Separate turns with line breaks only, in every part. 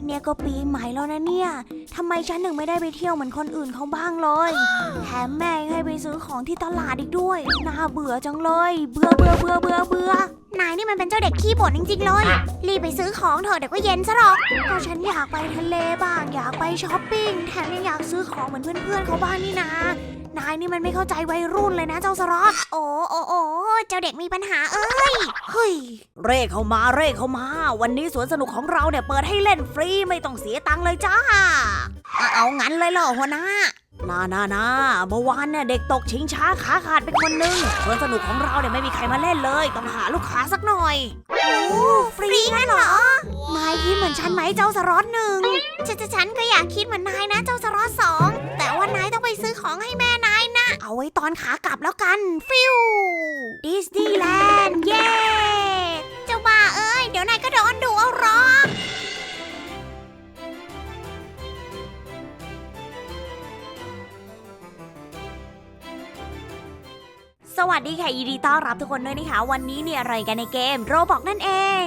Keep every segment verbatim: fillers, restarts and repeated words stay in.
เนี่ยก็ปีใหม่แล้วนะเนี่ยทำไมฉันถึงไม่ได้ไปเที่ยวเหมือนคนอื่นเขาบ้างเลยแถมแม่ให้ไปซื้อของที่ตลาดอีกด้วยน่าเบื่อจังเลยเบื่อเบื่อเบื่อเบื่อเบื่อนายนี่มันเป็นเจ้าเด็กขี้บ่นจริงๆเลยรีบไปซื้อของเถอะเดี๋ยวก็เย็นซะหรอกเพราะฉันอยากไปทะเลบ้างอยากไปช้อปปิ้งแถมยังอยากซื้อของเหมือนเพื่อนๆเขาบ้างนี่นะนายนี่มันไม่เข้าใจวัยรุ่นเลยนะเจ้าสล็อตโอ้โอ้โอ้เจ้าเด็กมีปัญหาเอ้ยเฮ้ยเร่เข้ามาเร่เข้ามาวันนี้สวนสนุกของเราเนี่ยเปิดให้เล่นฟรีไม่ต้องเสียตังค์เลยจ้าเอางั้นเลยเหรอหัวหน้านานานาเมื่อวานเนี่ยเด็กตกชิงช้าขาขาดไปคนนึงสวนสนุกของเราเนี่ยไม่มีใครมาเล่นเลยต้องหาลูกค้าสักหน่อยโอ้ฟรีงั้นเหรอนายคิดเหมือนฉันไหมเจ้าสล็อตหนึ่งฉันฉันก็อยากคิดเหมือนนายนะเจ้าสล็อตสองแต่ว่านายต้องไปซื้อของให้แม่นายนะเอาไว้ตอนขากลับแล้วกันฟิวดิสนีย์แลนด์เย้เจ้าบ้าเอ้ยเดี๋ยวนายก็โดนดุเอาหรอกสวัสดีค่ะยินดีต้อนรับทุกคนด้วยนะคะวันนี้เนี่ยอะไรกันในเกมโรบอกนั่นเอง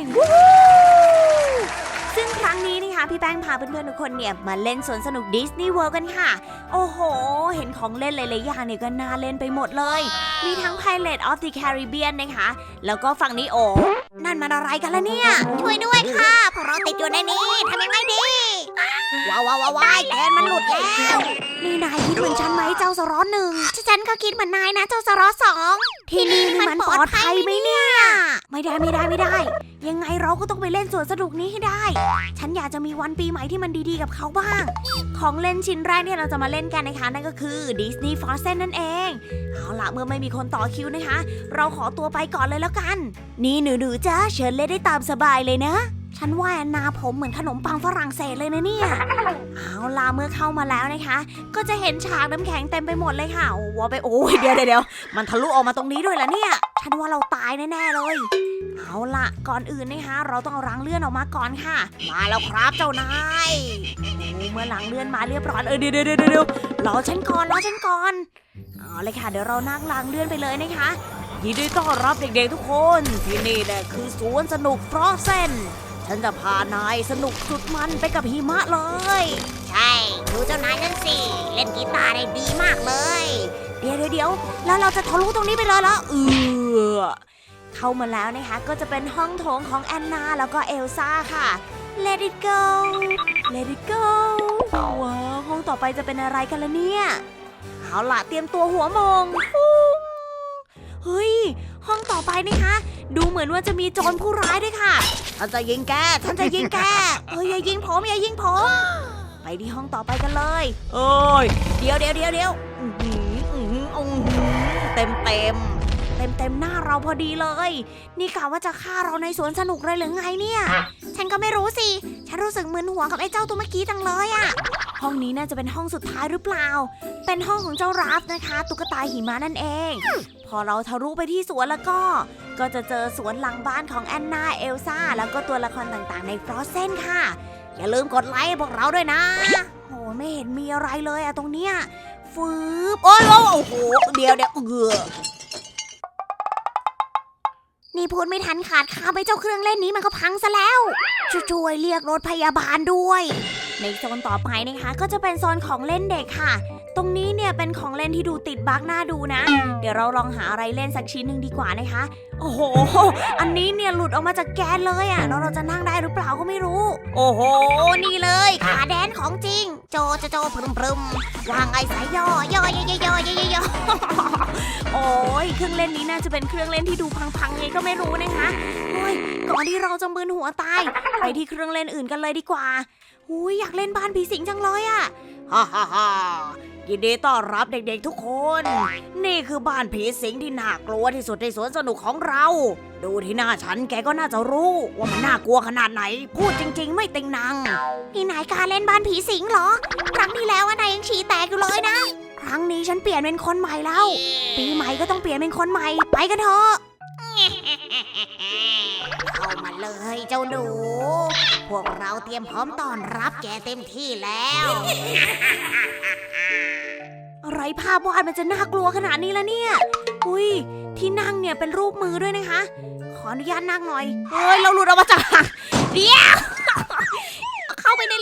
ซึ่งครั้งนี้นะคะพี่แป้งพาเพื่อนๆทุกคนเนี่ยมาเล่นสวนสนุกดิสนีย์เวิลด์กันค่ะโอ้โหเห็นของเล่นหลายๆอย่างเนี่ยก็น่าเล่นไปหมดเลยมีทั้ง Pirates of the Caribbean นะคะแล้วก็ฝั่งนี้โอ้นั่นมันอะไรกันล่ะเนี่ยช่วยด้วยค่ะพวกเราติดอยู่ในนี้ทำยังไงดีว้าวว้าวว้าวแกนมันหลุดแล้วนี่นายคิดเหมือนฉันไหมเจ้าสล็อตหนึ่งฉันก็คิดเหมือนนายนะเจ้าสล็อตสองที่นี่มันปลอดภัยไหมเนี่ยไม่ได้ไม่ได้ไม่ได้ยังไงเราก็ต้องไปเล่นสวนสนุกนี้ให้ได้ฉันอยากจะมีวันปีใหม่ที่มันดีๆกับเขาบ้างของเล่นชิ้นแรกที่เราจะมาเล่นกันนะคะนั่นก็คือ Disney Frozen นั่นเองเอาล่ะเมื่อไม่มีคนต่อคิวนะคะเราขอตัวไปก่อนเลยแล้วกันนี่หนูๆจ้าเชิญเล่นได้ตามสบายเลยนะฉันว่าแอนนาผมเหมือนขนมปังฝรั่งเศสเลยนะเนี่ยเอาล่ะเมื่อเข้ามาแล้วนะคะก็จะเห็นฉากน้ำแข็งเต็มไปหมดเลยค่ะว้าวไปโอ้ยเดี๋ยวเดี๋ยวมันทะลุออกมาตรงนี้ด้วยล่ะเนี่ยฉันว่าเราตายแน่ๆเลยเอาล่ะก่อนอื่นนะคะเราต้องเอารังเลื่อนออกมาก่อนค่ะมาแล้วครับเจ้านายโอ้เมื่อรังเลื่อนมาเรียบร้อยเออเดี๋ยวเดี๋ยวเดี๋ยวเดี๋ยวรอฉันก่อนรอฉันก่อนเอาเลยค่ะเดี๋ยวเรานั่งรังเลื่อนไปเลยนะคะยินดีต้อนรับเด็กๆทุกคนที่นี่แหละคือสวนสนุกฟรอสเซนฉันจะพานายสนุกสุดมันไปกับหิมะเลยใช่ดูเจ้านายนั่นสิเล่นกีตาร์ได้ดีมากเลยเดี๋ยวเดี๋ยวเดี๋ยวแล้วเราจะทะลุตรงนี้ไปเลยเหรอเออเข้ามาแล้วนะคะก็จะเป็นห้องโถงของแอนนาแล้วก็เอลซ่าค่ะ Let it go Let it go ว้าวห้องต่อไปจะเป็นอะไรกันล่ะเนี่ยเอาล่ะเตรียมตัวหัวมงเฮ้ยห้องต่อไปนะคะดูเหมือนว่าจะมีโจรผู้ร้ายด้วยค่ะฉันจะยิงแกฉันจะยิงแกเฮ้ยอย่ายิงผมอย่ายิงผมไปที่ห้องต่อไปกันเลยเอ้ยเดี๋ยวเดี๋ยวเดี๋ยวเดี๋ยวเต็มเต็มเต็มเต็มหน้าเราพอดีเลยนี่กะว่าจะฆ่าเราในสวนสนุกเลยหรือไงเนี่ยฉันก็ไม่รู้สิฉันรู้สึกมึนหัวกับไอ้เจ้าตัวเมื่อกี้จังเลยอะห้องนี้น่าจะเป็นห้องสุดท้ายหรือเปล่าเป็นห้องของเจ้าราฟนะคะตุ๊กตาหิมะนั่นเองพอเราทะลุไปที่สวนแล้วก็ก็จะเจอสวนหลังบ้านของแอนนาเอลซ่าแล้วก็ตัวละครต่างๆในฟรอสเซนค่ะอย่าลืมกดไลค์ให้พวกเราด้วยนะโอ้ไม่เห็นมีอะไรเลยอะตรงเนี้ยฟืบโอ้ยโอ้โหเดี๋ยวเดี๋ยวเออนี่พูดไม่ทันขาดคำไปเจ้าเครื่องเล่นนี้มันก็พังซะแล้วช่วยเรียกรถพยาบาลด้วยในโซนต่อไปนะคะก็จะเป็นโซนของเล่นเด็กค่ะตรงนี้เนี่ยเป็นของเล่นที่ดูติดบั๊กน่าดูนะเดี๋ยวเราลองหาอะไรเล่นสักชิ้นหนึ่งดีกว่านะคะโอ้โหอันนี้เนี่ยหลุดออกมาจากแกนเลยอ่ะแล้วเราจะนั่งได้หรือเปล่าก็ไม่รู้โอ้โหนี่เลยขาแดนของจริงโจโจโจพรึมพรึมวางไอ้สายย่อย่อย่อย่อย่อย่อย่อโอ้ยเครื่องเล่นนี้น่าจะเป็นเครื่องเล่นที่ดูพังๆไงก็ไม่รู้นะคะโอ้ยก่อนที่เราจะมึนหัวตายไปที่เครื่องเล่นอื่นกันเลยดีกว่าหูยอยากเล่นบ้านผีสิงจังเลยอ่ะฮ่าฮ่าฮ่ายินดีต้อนรับเด็กๆทุกคนนี่คือบ้านผีสิงที่น่ากลัวที่สุดในสวนสนุกของเราดูที่หน้าฉันแกก็น่าจะรู้ว่ามันน่ากลัวขนาดไหนพูดจริงๆไม่ติงนังนี่นายกล้าเล่นบ้านผีสิงเหรอครั้งที่แล้วนายยังฉี่แตกอยู่เลยนะครั้งนี้ฉันเปลี่ยนเป็นคนใหม่แล้วปีใหม่ก็ต้องเปลี่ยนเป็นคนใหม่ไปกันเถอะเข้ามาเลยเจ้าหนูพวกเราเตรียมพร้อมต้อนรับแกเต็มที่แล้วอะไรภาพวาดมันจะน่ากลัวขนาดนี้ละเนี่ยอุ้ยที่นั่งเนี่ยเป็นรูปมือด้วยนะคะขออนุญาตนั่งหน่อยเฮ้ยเราหลุดออกมาจากเดี๋ยวเข้าไปใน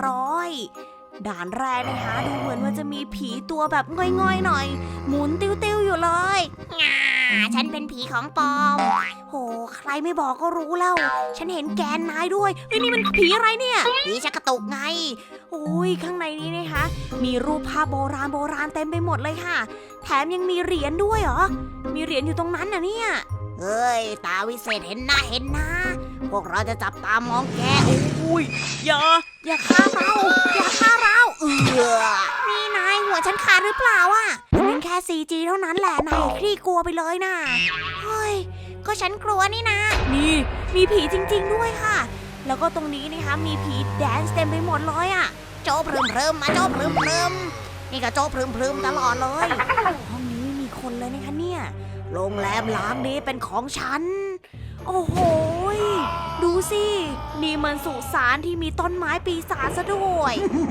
ร้อยด่านแรกนะคะดูเหมือนว่าจะมีผีตัวแบบง่อยๆหน่อยหมุนติ้วๆอยู่เลยง่าฉันเป็นผีของปลอมโหใครไม่บอกก็รู้แล้วฉันเห็นแกนนายด้วยเฮ้ยนี่มันผีอะไรเนี่ยผีชักกระตุกไงโอ้ยข้างในนี้นะคะมีรูปภาพโบราณโบราณเต็มไปหมดเลยค่ะแถมยังมีเหรียญด้วยเหรอมีเหรียญอยู่ตรงนั้นน่ะเนี่ยเฮ้ยตาวิเศษเห็นหน้าเห็นหน้าพวกเราจะจับตามองแกอุ้ยอย่าอย่าฆ่าเราอย่าฆ่าเราเออนี่นายหัวฉันขาดหรือเปล่าอ่ะมันแค่ ซี จี เท่านั้นแหละนายคลี่กลัวไปเลยนะเฮ้ยก็ฉันกลัวนี่นะนี่มีผีจริงๆด้วยค่ะแล้วก็ตรงนี้นะคะมีผีแดนซ์เต็มไปหมดเลยอ่ะโจ๊บพรึมพรึมมาโจ๊บพรึมพรึมนี่ก็โจ๊บพรึมพรึมตลอดเลยห้องนี้มีคนเลยนะคะเนี่ยโรงแรมล้างนี้เป็นของฉันโอ้โหดูสินี่มันสุสานที่มีต้นไม้ปีศาจซะด้วย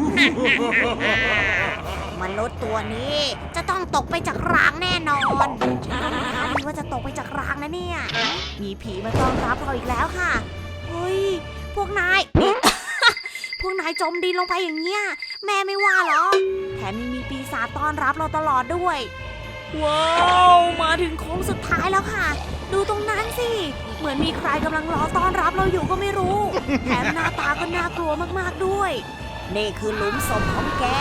มนุษย์ตัวนี้จะต้องตกไปจากรางแน่นอนฉันก็ไม่คาดคิดว่าจะตกไปจากรางนะเนี่ยมีผีมาต้อนรับเราอีกแล้วค่ะเฮ้ยพวกนาย พวกนายจมดินลงไปอย่างเงี้ยแม่ไม่ว่าหรอแถมยังมีปีศาจต้อนรับเราตลอดด้วยว้าวมาถึงโค้งสุดท้ายแล้วค่ะดูตรงนั้นสิเหมือนมีใครกำลังรอต้อนรับเราอยู่ก็ไม่รู้แถมหน้าตาก็น่ากลัวมากๆด้วยนี่คือหลุมศพของแก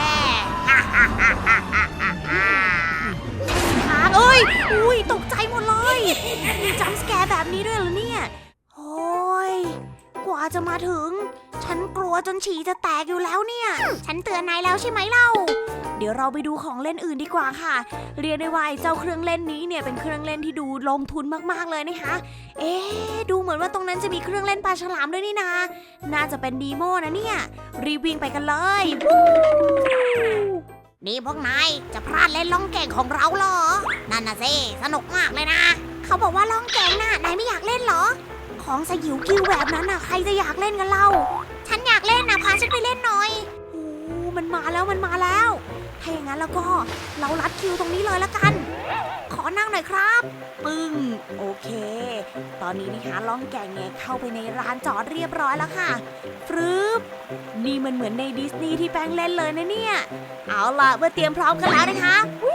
ทางเอ้ยอุ้ยตกใจหมดเลยมีจัมป์สแกร์แบบนี้ด้วยเหรอเนี่ยโอ้ยกว่าจะมาถึงฉันกลัวจนฉี่จะแตกอยู่แล้วเนี่ยฉันเตือนนายแล้วใช่ไหมเล่าเดี๋ยวเราไปดูของเล่นอื่นดีกว่าค่ะเรียกได้ว่าเจ้าเครื่องเล่นนี้เนี่ยเป็นเครื่องเล่นที่ดูลงทุนมากๆเลยนะคะเอ๊ะดูเหมือนว่าตรงนั้นจะมีเครื่องเล่นปลาฉลามด้วยนี่นาน่าจะเป็นดีโมนะเนี่ยรีบวิ่งไปกันเลยนี่พวกนายจะพลาดเล่นล่องแก่งของเราเหรอนั่นน่ะสิสนุกมากเลยนะเขาบอกว่าล่องแก่งน่ะนายไม่อยากเล่นเหรอของสยิวกิ้วแบบนั้นน่ะใครจะอยากเล่นกันเล่าฉันอยากเล่นนะพาฉันไปเล่นหน่อยโอ้มันมาแล้วมันมาแล้วถ้าอย่างนั้นแล้วก็เรารัดคิวตรงนี้เลยละกันขอนั่งหน่อยครับปึ้งโอเคตอนนี้นะคะล่องแก่งเนี่ยเข้าไปในร้านจอดเรียบร้อยแล้วค่ะฟรึบนี่มันเหมือนในดิสนีย์ที่แป้งเล่นเลยนะเนี่ยเอาล่ะเมื่อเตรียมพร้อมกันแล้วนะคะ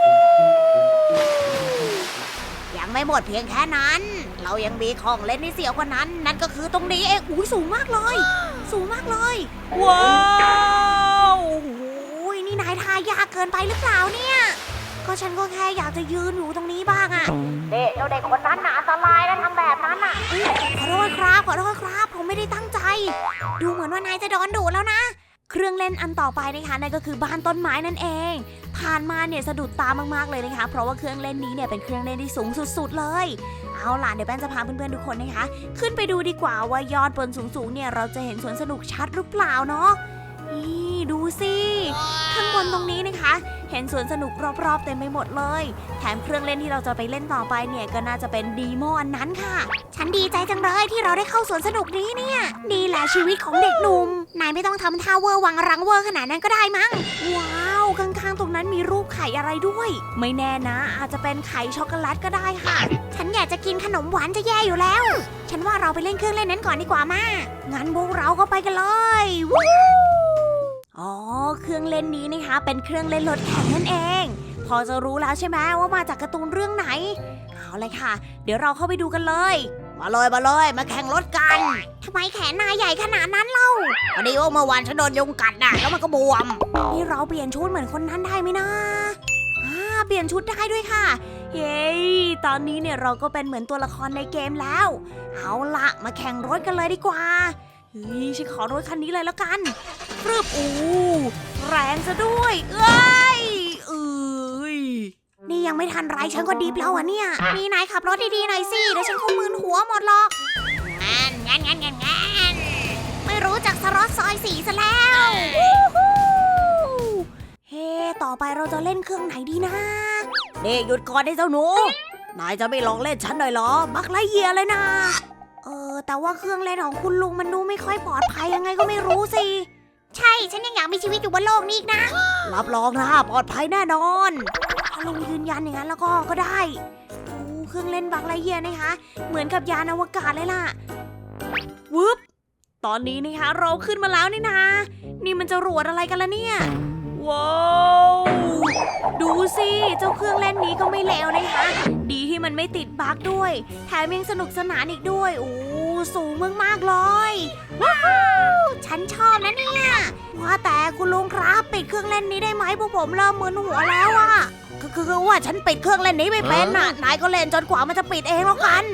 ยังไม่หมดเพียงแค่นั้นเรายังมีของเล่นที่เสียวกว่านั้นนั่นก็คือตรงนี้เองอุ้ยสูงมากเลยสูงมากเลยว้าวโอ้ยนี่นายทายากเกินไปหรือเปล่าเนี่ยก็ฉันก็แค่อยากจะยืนอยู่ตรงนี้บ้างอะเด็กเด็กคนนั้นน่ะอันตรายนะทำแบบนั้นน่ะขอโทษครับขอโทษครับผมไม่ได้ตั้งใจดูเหมือนว่านายจะโดนดูดแล้วนะเครื่องเล่นอันต่อไปนะคะนั่นก็คือบ้านต้นไม้นั่นเองผ่านมาเนี่ยสะดุดตามากๆเลยนะคะเพราะว่าเครื่องเล่นนี้เนี่ยเป็นเครื่องเล่นที่สูงสุดๆเลยเอาล่ะเดี๋ยวแป้งจะพาเพื่อนๆทุกคนนะคะขึ้นไปดูดีกว่าว่ายอดบนสูงๆเนี่ยเราจะเห็นสวนสนุกชัดหรือเปล่าเนาะนี่ดูสิข้างบนตรงนี้นะคะเห็นสวนสนุกรอบๆเต็มไปหมดเลยแถมเครื่องเล่นที่เราจะไปเล่นต่อไปเนี่ยก็น่าจะเป็นดีโมอันนั้นค่ะฉันดีใจจังเลยที่เราได้เข้าสวนสนุกนี้เนี่ยดีแหละชีวิตของเด็กหนุ่มนายไม่ต้องทำท่าเวอร์วังรังเวอร์ขนาดนั้นก็ได้มั้งว้าวข้างๆตรงนั้นมีรูปไข่อะไรด้วยไม่แน่นะอาจจะเป็นไข่ช็อกโกแลตก็ได้ค่ะฉันอยากจะกินขนมหวานจะแย่อยู่แล้วฉันว่าเราไปเล่นเครื่องเล่นนั้นก่อนดีกว่ามางั้นพวกเราก็ไปกันเลยวู้อ๋อเครื่องเล่นนี้นะคะเป็นเครื่องเล่นรถแข่งนั่นเองพอจะรู้แล้วใช่ไหมว่ามาจากการ์ตูนเรื่องไหนเอาเลยค่ะเดี๋ยวเราเข้าไปดูกันเลยมาเลยมาเลยมาแข่งรถกันทำไมแขนนายใหญ่ขนาดนั้นเล่าพอดีว่าเมื่อวานฉันโดนยุงกัดน่ะแล้วมันก็บวมนี่เราเปลี่ยนชุดเหมือนคนนั้นได้ไหมนะอ่าเปลี่ยนชุดได้ด้วยค่ะเย้ตอนนี้เนี่ยเราก็เป็นเหมือนตัวละครในเกมแล้วเอาละมาแข่งรถกันเลยดีกว่าเฮ้ยฉันขอรถคันนี้เลยแล้วกันปรึบอู้แรงซะด้วยเอ้ยเอ้ยนี่ยังไม่ทันไรฉันก็ดีบแล้วอ่ะเนี่ยมีนายขับรถดีๆหน่อยสิเดี๋ยวฉันคงมึนหัวหมดหรอกงั้นงั้นงั้นงั้นงั้นไม่รู้จักสล็อตซอยสีซะแล้วเฮ้ต่อไปเราจะเล่นเครื่องไหนดีนะเด็กหยุดก่อนได้เจ้าหนูนายจะไม่ลองเล่นฉันหน่อยเหรอบักไล่เยียเลยนะเออแต่ว่าเครื่องเล่นของคุณลุงมันดูไม่ค่อยปลอดภัยยังไงก็ไม่รู้สิใช่ฉันยังอยากมีชีวิตอยู่บนโลกนี้อีกนะรับรองนะปลอดภัยแน่นอนถ้าลุงยืนยันอย่างนั้นแล้วก็ก็ได้โอ้เครื่องเล่นบักไลเยียนะคะเหมือนกับยานอวกาศเลยล่ะวึบตอนนี้นะคะเราขึ้นมาแล้วนี่นะนี่มันจะรวดอะไรกันล่ะเนี่ยว้าวดูสิเจ้าเครื่องเล่นนี้ก็ไม่เลวนะคะดีที่มันไม่ติดบั๊กด้วยแถมยังสนุกสนานอีกด้วยโอ้สูงมากๆเลยว้าวฉันชอบนะเนี่ยว่าแต่คุณลุงครับปิดเครื่องเล่นนี้ได้ไหมพวกผมเริ่มมึนหัวแล้วอะคือคือว่าฉันปิดเครื่องเล่นนี้ไม่เป็นน่ะนายก็เล่นจนกว่ามันจะปิดเองแล้วกัน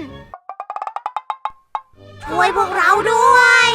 ช่วยพวกเราด้วย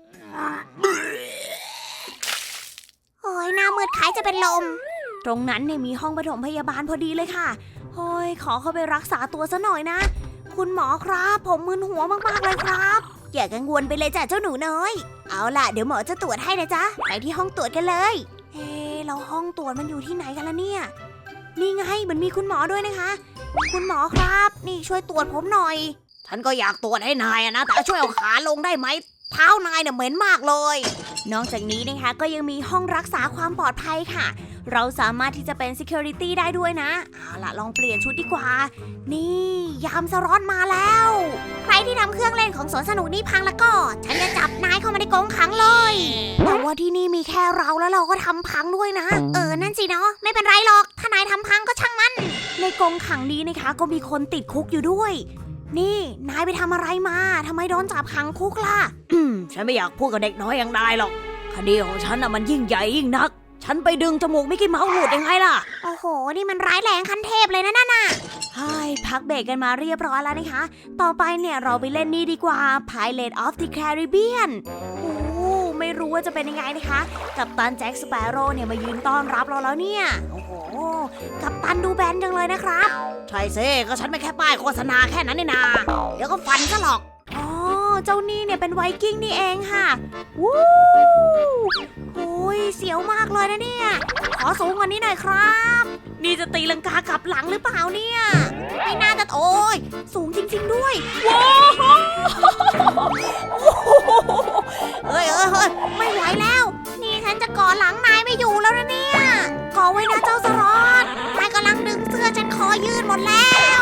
โอ้ยหน้ามืดคล้ายจะเป็นลมตรงนั้นเนี่ยมีห้องปฐมพยาบาลพอดีเลยค่ะโอ้ยขอเข้าไปรักษาตัวซะหน่อยนะคุณหมอครับผมมึนหัวมากๆเลยครับอย่ากังวลไปเลยจ้ะเจ้าหนูน้อยเอาล่ะเดี๋ยวหมอจะตรวจให้นะจ๊ะไปที่ห้องตรวจกันเลยเอ๊ะเราห้องตรวจมันอยู่ที่ไหนกันล่ะเนี่ยนี่ไงมันมีคุณหมอด้วยนะคะคุณหมอครับนี่ช่วยตรวจผมหน่อยฉันก็อยากตรวจให้นายนะแต่ช่วยเอาขาลงได้ไหมเท้านายเนี่ยเหม็นมากเลยนอกจากนี้นะคะก็ยังมีห้องรักษาความปลอดภัยค่ะเราสามารถที่จะเป็น security ได้ด้วยนะเอาล่ะลองเปลี่ยนชุดดีกว่านี่ยามสล็อตมาแล้วใครที่ทำเครื่องเล่นของสวนสนุกนี่พังแล้วก็ฉันจะจับนายเข้ามาในกรงขังเลยแต่ว่าที่นี่มีแค่เราแล้วเราก็ทำพังด้วยนะเออนั่นสิเนาะไม่เป็นไรหรอกถ้านายทำพังก็ช่างมันในกรงขังนี้นะคะก็มีคนติดคุกอยู่ด้วยนี่นายไปทำอะไรมาทำไมโดนจับขังคุกล่ะอืมฉันไม่อยากพูดกับเด็กน้อยอย่างนายหรอกคดีของฉันน่ะมันยิ่งใหญ่ยิ่งนักฉันไปดึงจมูกมิกกี้เมาส์หลุดยังไงล่ะโอ้โหนี่มันร้ายแรงขั้นเทพเลยนะนั่นน่ะใช่พักเบรกกันมาเรียบร้อยแล้วนะคะต่อไปเนี่ยเราไปเล่นนี่ดีกว่า Pirates of the Caribbean โอ้ไม่รู้ว่าจะเป็นยังไงนะคะกัปตันแจ็คสเปโร่เนี่ยมายืนต้อนรับเราแล้วเนี่ยโอ้โหกัปตันดูแบนจังเลยนะครับใช่สิก็ฉันไม่แค่ป้ายโฆษณาแค่นั้นนี่นาเดี๋ยวก็ฟันซะหรอกอ๋อเจ้านี่เนี่ยเป็นไวกิ้งนี่เองค่ะวู้โอ้ยเสียวมากเลยนะเนี่ยขอสูงกว่านี้หน่อยครับนี่จะตีลังกากลับหลังหรือเปล่าเนี่ยไม่น่าจะโอ้ยสูงจริงๆด้วยว้าวเฮ้ยเฮ้ยเฮ้ยไม่ไหวแล้วนี่ฉันจะก่อหลังนายไม่อยู่แล้วนะเนี่ยก่อไว้นะเจ้าสล็อตนายกำลังดึงเสื้อฉันคอยืดหมดแล้ว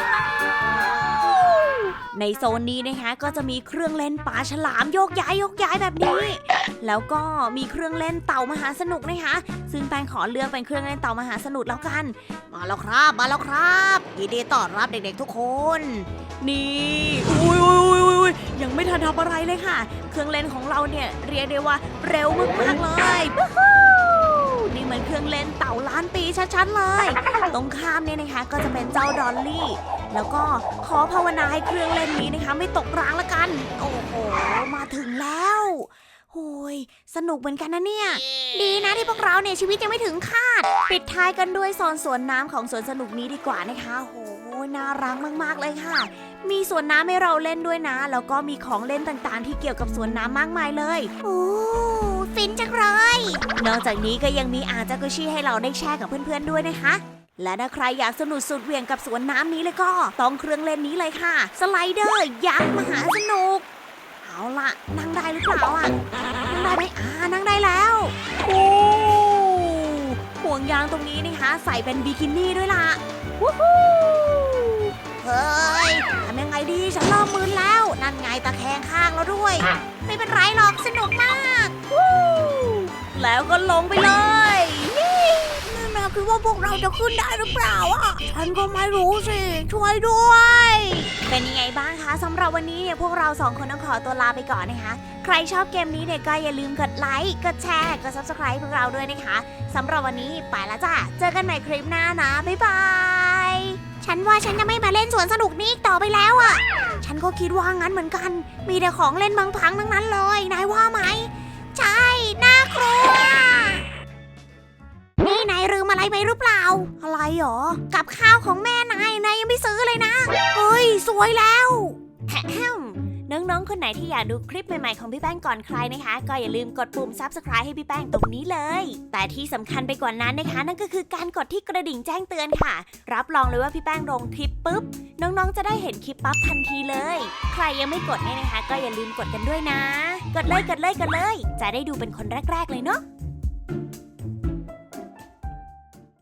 ในโซนนี้นะคะก็จะมีเครื่องเล่นปลาฉลามโยกย้ายโยกย้ายแบบนี้แล้วก็มีเครื่องเล่นเต่ามหาสนุกนะคะซึ่งแป้งขอเลือกเป็นเครื่องเล่นเต่ามหาสนุกแล้วกันมาแล้วครับมาแล้วครับยินดีต้อนรับเด็กๆทุกคนนี่อุ้ยอุ้ยอุ้ยยังไม่ทันทำอะไรเลยค่ะเครื่องเล่นของเราเนี่ยเรียกได้ว่าเร็วมากๆเลยนี่มันเครื่องเล่นเต่าล้านปีชัดๆเลยตรงข้ามเนี่ยนะคะก็จะเป็นเจ้าดอลลี่แล้วก็ขอภาวนาให้เครื่องเล่นนี้นะคะไม่ตกรางละกันโอ้โหมาถึงแล้วโอ้ยสนุกเหมือนกันนะเนี่ยดีนะที่พวกเราเนี่ยชีวิตยังไม่ถึงคาดปิดท้ายกันด้วยโซนสวนน้ำของสวนสนุกนี้ดีกว่านะคะโอ้โหน่ารักมากๆเลยค่ะมีสวนน้ำให้เราเล่นด้วยนะแล้วก็มีของเล่นต่างๆที่เกี่ยวกับสวนน้ำมากมายเลยโอ้ฟินจังเลยนอกจากนี้ก็ยังมีอ่างจากุชิให้เราได้แช่กับเพื่อนๆด้วยนะคะและถ้าใครอยากสนุกสุดเหวี่ยงกับสวนน้ำนี้เลยก็ต้องเครื่องเล่นนี้เลยค่ะสไลเดอร์ยักษ์มหาสนุกเอาล่ะนั่งได้หรือเปล่าอ่ะนั่งได้ไหมอ่านั่งได้แล้วโอ้ห่วงยางตรงนี้นะคะใส่เป็นบิกินี่ด้วยล่ะวู้ฮู้เฮ้ยทำยังไงดีฉันเริ่มมึนแล้วนั่นไงตะแคงข้างแล้วด้วยไม่เป็นไรหรอกสนุกมากวู้แล้วก็ลงไปเลยคือว่าพวกเราจะขึ้นได้หรือเปล่าอ่ะฉันก็ไม่รู้สิช่วยด้วยเป็นยังไงบ้างคะสำหรับวันนี้เนี่ยพวกเราสองคนต้องขอตัวลาไปก่อนนะคะใครชอบเกมนี้เนี่ยก็อย่าลืมกดไลค์กดแชร์กด ซับสไครบ์ พวกเราด้วยนะคะสำหรับวันนี้ไปแล้วจ้ะเจอกันใหม่คลิปหน้านะบ๊ายบายฉันว่าฉันจะไม่มาเล่นสวนสนุกนี้ต่อไปแล้วอ่ะฉันก็คิดว่างั้นเหมือนกันมีแต่ของเล่นพังๆทั้งนั้นเลยนายว่าไหมใช่น่ากลัวนี่นายลืมอะไรไปหรือเปล่าอะไรหรอกับข้าวของแม่นายนายยังไม่ซื้อเลยนะเฮ้ยสวยแล้วน้องๆคนไหนที่อยากดูคลิปใหม่ๆของพี่แป้งก่อนใครนะคะก็อย่าลืมกดปุ่ม ซับสไครบ์ ให้พี่แป้งตรงนี้เลยแต่ที่สำคัญไปกว่านั้นนะคะนั่นก็คือการกดที่กระดิ่งแจ้งเตือนค่ะรับรองเลยว่าพี่แป้งลงคลิปปุ๊บน้องๆจะได้เห็นคลิปปั๊บทันทีเลยใครยังไม่กดเนี่ยนะคะก็อย่าลืมกดกันด้วยนะกดเลยกดเลยกดเลยจะได้ดูเป็นคนแรกๆเลยเนาะ